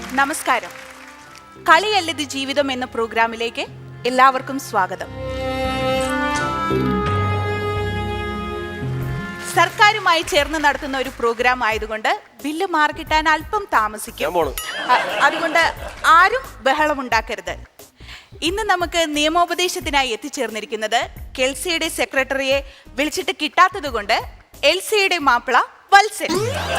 നമസ്കാരം. കളിയല്ലത് ജീവിതം എന്ന പ്രോഗ്രാമിലേക്ക് എല്ലാവർക്കും സ്വാഗതം. സർക്കാരുമായി ചേർന്ന് നടത്തുന്ന ഒരു പ്രോഗ്രാം ആയതുകൊണ്ട് ബില്ല് മാർക്കിട്ടാൻ അല്പം താമസിക്കും. അതുകൊണ്ട് ആരും ബഹളമുണ്ടാക്കരുത്. ഇന്ന് നമുക്ക് നിയമോപദേശത്തിനായി എത്തിച്ചേർന്നിരിക്കുന്നത് കെൽസിയുടെ സെക്രട്ടറിയെ വിളിച്ചിട്ട് കിട്ടാത്തത് കൊണ്ട് എൽസിയുടെ മാപ്പിള വത്സൻ.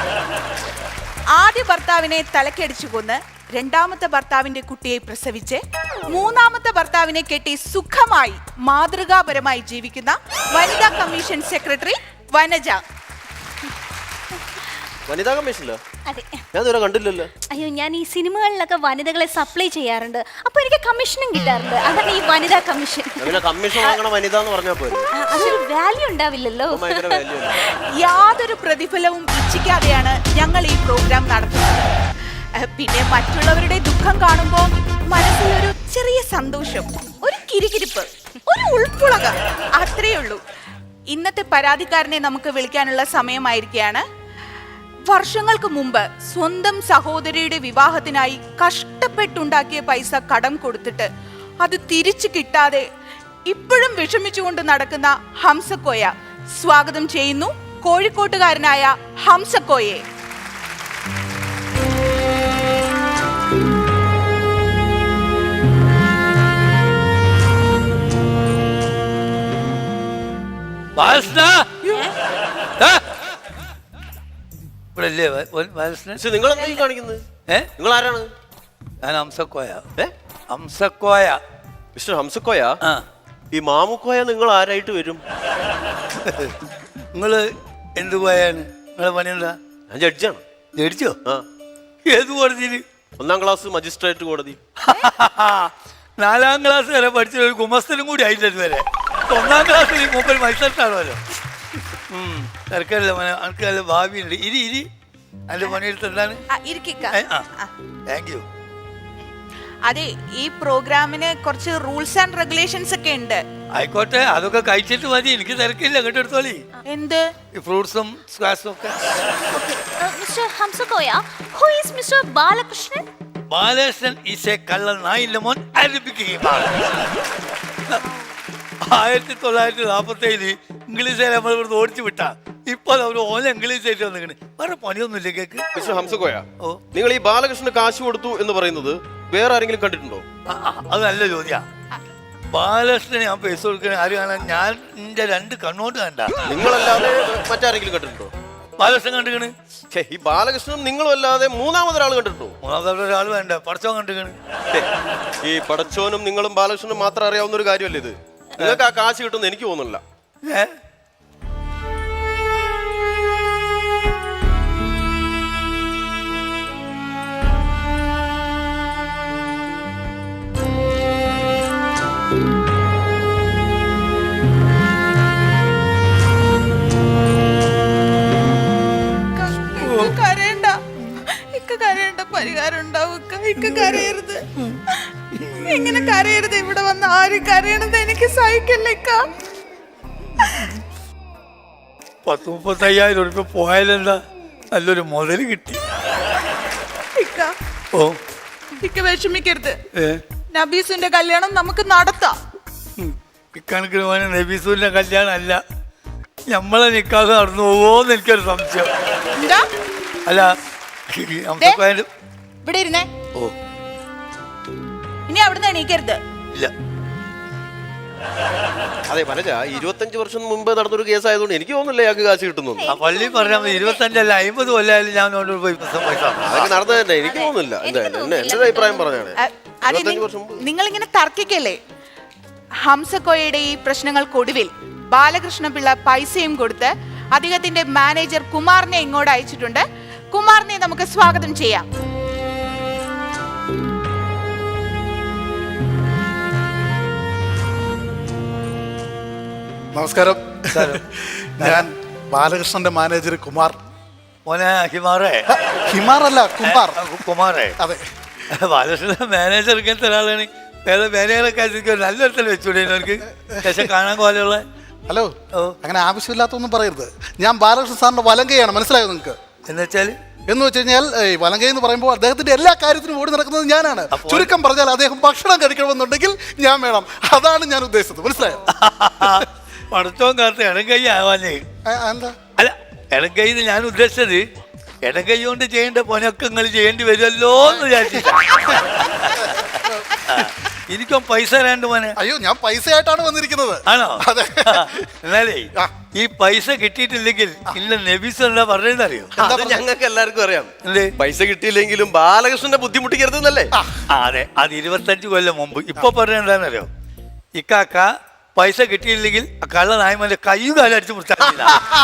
ആദ്യ ഭർത്താവിനെ തലക്കടിച്ചു കൊന്ന് രണ്ടാമത്തെ ഭർത്താവിന്റെ കുട്ടിയെ പ്രസവിച്ച് മൂന്നാമത്തെ ഭർത്താവിനെ കെട്ടി സുഖമായി മാതൃകാപരമായി ജീവിക്കുന്ന വനിതാ കമ്മീഷൻ സെക്രട്ടറി വനജ. വനിതാ കമ്മീഷനിലോ? അതെ. ഞാൻ ഇതുവരെ കണ്ടില്ലല്ലോ. അയ്യോ, ഞാൻ ഈ സിനിമകളിലൊക്കെ വനിതകളെ സപ്ലൈ ചെയ്യാറുണ്ട്, അപ്പൊ എനിക്ക് കമ്മീഷനും കിട്ടാറുണ്ട്. അതാണ് ഈ വനിതാ കമ്മീഷൻ. കമ്മീഷൻ വാങ്ങണ വനിത എന്ന് പറഞ്ഞാൽ പോലും അതൊരു വാല്യൂ ഉണ്ടാവില്ലല്ലോ. യാതൊരു പ്രതിഫലവും ഇച്ഛിക്കാതെയാണ് ഞങ്ങൾ ഈ പ്രോഗ്രാം നടത്തുന്നത്. പിന്നെ മറ്റുള്ളവരുടെ ദുഃഖം കാണുമ്പോൾ മനസ്സിൽ ഒരു ചെറിയ സന്തോഷം, ഒരു കിരികിരിപ്പ്, ഒരു ഉൾപ്പുളക, അത്രയേ ഉള്ളൂ. ഇന്നത്തെ പരാതിക്കാരനെ നമുക്ക് വിളിക്കാനുള്ള സമയമായിരിക്കുകയാണ്. വർഷങ്ങൾക്ക് മുമ്പ് സ്വന്തം സഹോദരിയുടെ വിവാഹത്തിനായി കഷ്ടപ്പെട്ടുണ്ടാക്കിയ പൈസ കടം കൊടുത്തിട്ട് അത് തിരിച്ചു കിട്ടാതെ ഇപ്പോഴും വിഷമിച്ചുകൊണ്ട് നടക്കുന്ന ഹംസക്കോയ സ്വാഗതം ചെയ്യുന്നു. കോഴിക്കോട്ടുകാരനായ ഹംസക്കോയെ. നിങ്ങൾ കാണിക്കുന്നത് നിങ്ങൾ ആരാണ്? ഞാൻ ഹംസക്കോയ. ഹംസക്കോയ. മിസ്റ്റർ ഹംസക്കോയ, ഈ മാമുക്കോയ നിങ്ങൾ ആരായിട്ട് വരും? നിങ്ങള് എന്ത് കോയാണ്? നിങ്ങളെ പണി എന്താ? ഞാൻ ജഡ്ജാണ്. ജഡ്ജോ? ഏത് കോടതിയില്? 1ാം ക്ലാസ് മജിസ്ട്രേറ്റ് കോടതി. 4ാം ക്ലാസ് വരെ പഠിച്ച ഒരു ഗുമസ്തനും കൂടി ആയിട്ടത് വരെ 1ാം ക്ലാസ്സിൽ മൂപ്പർ മത്സരത്താണല്ലോ. തിരക്കല്ല മോനെ, എനിക്ക് നല്ല ഭാവിയുണ്ട്. ഇരി അതിന്റെ പണിയെടുത്ത് എന്താണ്? Thank you. അതെ, ഈ പ്രോഗ്രാമിന് കുറച്ച് റൂൾസ് ആൻഡ് റെഗുലേഷൻസ് ഒക്കെ ഉണ്ട്. ആയിക്കോട്ടെ, അതൊക്കെ കഴിച്ചിട്ട് മതി, എനിക്ക് തിരക്കില്ല. കേട്ടോ, എടുത്തോളി. എന്ത്? ഈ ഫ്രൂട്ട്സും സ്ക്വാഷും ഒക്കെ. Mister Hamsakoya, who is Mr. Balakrishnan? Balakrishnan is a കള്ള നായില്ല മോൻ. ആരംഭിക്കുകയും 1947 ഇംഗ്ലീഷുകാരെ നമ്മൾ ഇവിടുന്ന് ഓടിച്ചു വിട്ടാ. ഇപ്പൊ അവര് ഓല ഇംഗ്ലീഷ് ആയിട്ട് വന്നിക്കണ്. വേറെ പണിയൊന്നുമില്ല കേക്ക്. മിസ്റ്റർ ഹംസക്കോയ, നിങ്ങൾ ഈ ബാലകൃഷ്ണന് കാശ് കൊടുത്തു എന്ന് പറയുന്നത് വേറെ ആരെങ്കിലും കണ്ടിട്ടുണ്ടോ? അത് നല്ല ചോദ്യാ. ബാലകൃഷ്ണന് ഞാൻ പൈസ കൊടുക്കണ ആര് കാണാൻ? ഞാൻ എന്റെ 2 കണ്ണോട്ട് കണ്ട. നിങ്ങളല്ലാതെ മറ്റാരെങ്കിലും കണ്ടിട്ടുണ്ടോ? ബാലകൃഷ്ണൻ കണ്ടിക്കണ്. ഈ ബാലകൃഷ്ണനും നിങ്ങളും അല്ലാതെ മൂന്നാമതൊരാൾ കണ്ടിട്ടുണ്ടോ? മൂന്നാമതൊരാൾ വേണ്ട, പടച്ചോൻ കണ്ടിക്കണ്. ഈ പടച്ചോനും നിങ്ങളും ബാലകൃഷ്ണനും മാത്രം അറിയാവുന്ന ഒരു കാര്യമല്ലേ ഇത്? നിങ്ങൾക്ക് ആ കാശ് കിട്ടുമെന്ന് എനിക്ക് തോന്നുന്നില്ല. കരയണ്ട, പരിഹാരം ഉണ്ടാവും. കരയരുത്, ഇങ്ങനെ കരയരുത്. ഇവിടെ വന്ന് ആരും കരയണത് എനിക്ക് സഹിക്കില്ല. 30-35,000 രൂപ പോയാലെന്താ, നല്ലൊരു മുതല് കിട്ടി. ഓ, വിഷമിക്കരുത്. നബീസിന്റെ കല്യാണം നമുക്ക് നടത്താം. ഇക്കണക്കിന് പോയ നബീസുവിന്റെ കല്യാണം അല്ല, നമ്മളെ നിക്കാതെ നടന്നു പോവോന്ന് എനിക്കൊരു സംശയം. അല്ല, ഇവിടെ ഇരുന്നേ. ഓ, ഇനി അവിടുന്ന് എണീക്കരുത്. ഇല്ല. അതെ വനജ, 25 വർഷം മുമ്പ് നടന്നൊരു കേസ് ആയതുകൊണ്ട് എനിക്ക് തോന്നുന്നില്ല ഞങ്ങൾക്ക് കാശ് കിട്ടുന്നു. ആ പള്ളി പറഞ്ഞാൽ 25 അല്ല 50 കൊല്ലായാലും ഞാൻ പോയി അതൊക്കെ നടന്നത് തന്നെ എനിക്ക് തോന്നുന്നില്ല. എന്റെ അഭിപ്രായം പറഞ്ഞാണ്. നിങ്ങൾ ഇങ്ങനെ തർക്കിക്കല്ലേ? ഹംസക്കോയയുടെ ഈ പ്രശ്നങ്ങൾക്കൊടുവിൽ ബാലകൃഷ്ണപിള്ള പൈസയും കൊടുത്ത് അദ്ദേഹത്തിന്റെ മാനേജർ കുമാറിനെ ഇങ്ങോട്ട് അയച്ചിട്ടുണ്ട്. കുമാറിനെ നമുക്ക് സ്വാഗതം ചെയ്യാം. നമസ്കാരം. ഞാൻ ബാലകൃഷ്ണന്റെ മാനേജർ കുമാർ. മോനെ ഹിമാറേ? ഹിമാറല്ല, കുമാർ. കുമാറേ? അതെ. ബാലകൃഷ്ണന്റെ മാനേജർ ഇങ്ങനത്തെ ഒരാളാണ്. വേറെ മാനേജറൊക്കെ നല്ലൊരുത്തൽ വെച്ചൂടെ അവർക്ക് കാണാൻ പോലെയുള്ള? ഹലോ, അങ്ങനെ ആവശ്യമില്ലാത്തൊന്നും പറയരുത്. ഞാൻ ബാലകൃഷ്ണൻ സാറിന്റെ വലങ്കയാണ്, മനസ്സിലായോ നിങ്ങൾക്ക്? എന്നുവെച്ചാൽ എന്ന് വെച്ച് കഴിഞ്ഞാൽ ഈ വലങ്കൈ എന്ന് പറയുമ്പോൾ അദ്ദേഹത്തിന്റെ എല്ലാ കാര്യത്തിനും ഓടി നടക്കുന്നത് ഞാനാണ്. ചുരുക്കം പറഞ്ഞാൽ അദ്ദേഹം ഭക്ഷണം കഴിക്കണമെന്നുണ്ടെങ്കിൽ ഞാൻ വേണം. അതാണ് ഞാൻ ഉദ്ദേശിച്ചത്. മനസ്സിലായോ? പടത്തോം കാലത്ത് ഇടംകൈ ആവാനേ. എന്താ? അല്ല, ഇടംകൈ ഞാൻ ഉദ്ദേശിച്ചത് ഇടംകൈ കൊണ്ട് ചെയ്യേണ്ട പണിയൊക്കെ നിങ്ങൾ ചെയ്യേണ്ടി വരുമല്ലോ എന്ന് വിചാരിച്ചിട്ടാ. എനിക്കും പൈസ തരാണ്ട് മോനെ. അയ്യോ, ഞാൻ പൈസയായിട്ടാണ് വന്നിരിക്കുന്നത്. ആണോ? അതെ. എന്നാലേ ഈ പൈസ കിട്ടിയിട്ടില്ലെങ്കിൽ ഇല്ല നബീസ് എന്താ പറഞ്ഞറിയോ? അത് ഞങ്ങൾക്ക് എല്ലാവർക്കും അറിയാം. എന്തേ? പൈസ കിട്ടിയില്ലെങ്കിലും ബാലകൃഷ്ണനെ ബുദ്ധിമുട്ടിക്കരുതെന്നല്ലേ? അതെ, അത് 25 കൊല്ലം മുമ്പ്. ഇപ്പൊ പറഞ്ഞ എന്താണെന്നറിയോ? ഇക്കാക്ക പൈസ കിട്ടിയില്ലെങ്കിൽ കള്ള നായ്മന്റെ കൈയും കാലം അടിച്ചു മുറിച്ചാൽ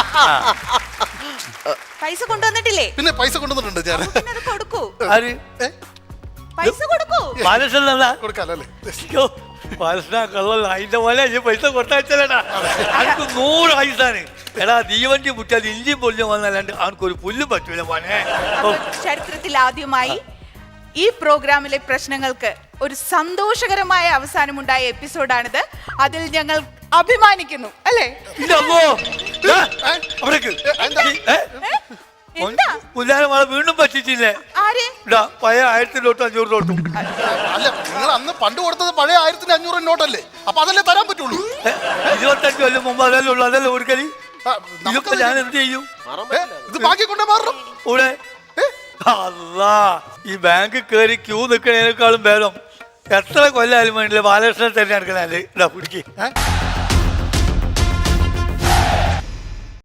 പൈസ കൊണ്ടുവന്നിട്ടില്ലേ? പിന്നെ പൈസ കൊണ്ടുവന്നിട്ടുണ്ട് ഞാൻ. പിന്നെ അത് കൊടുക്കൂ. ആര്? പൈസ കൊടുക്കൂ. ബാലകൃഷ്ണൻ കൊടുക്കാലോ അല്ലേ? ബാലകൃഷ്ണ കള്ളല്ല, അതിന്റെ പോലെ പൈസ കൊടുത്താച്ചല്ലേടാ. അവർക്ക് 100 ആയുസാണ്. എടാ ദീവണ്ടി മുറ്റാൽ ഇഞ്ചി പൊല്ലും വന്നല്ലാണ്ട് അവനക്കൊരു പുല്ലും പറ്റൂല മോനെ. ചരിത്രത്തിൽ ആദ്യമായി ഈ പ്രോഗ്രാമിലെ പ്രശ്നങ്ങൾക്ക് ഒരു സന്തോഷകരമായ അവസാനമുണ്ടായ എപ്പിസോഡാണിത്. അതിൽ ഞങ്ങൾ അഭിമാനിക്കുന്നു, അല്ലേ? പുല്ലാരമാളെ വീണ്ടും പറ്റിച്ചില്ലേ? ആര്? പഴയ 1000 നോട്ടും 500 നോട്ടും. അല്ല, നിങ്ങൾ അന്ന് പണ്ട് കൊടുത്തത് പഴയ 1500 നോട്ടല്ലേ? അപ്പൊ അതല്ലേ തരാൻ പറ്റുള്ളൂ. 25 കൊല്ലം മുമ്പ് അതല്ലേ ഉള്ളു, അതല്ലേ കൊടുക്കല്. ഇതൊക്കെ ഞാൻ എന്ത് ചെയ്യും? ഇത് ബാക്കി കൊണ്ടേ മാറണം. ഇവിടെ അല്ലാ, ഈ ബാങ്ക് കയറി ക്യൂ നിൽക്കുന്നതിനേക്കാളും ഭേദം എത്ര കൊല്ലായാലും വേണ്ടില്ല ബാലകൃഷ്ണൻ തന്നെ എടുക്കണല്ലേ. ഇതാ പിടിക്ക്.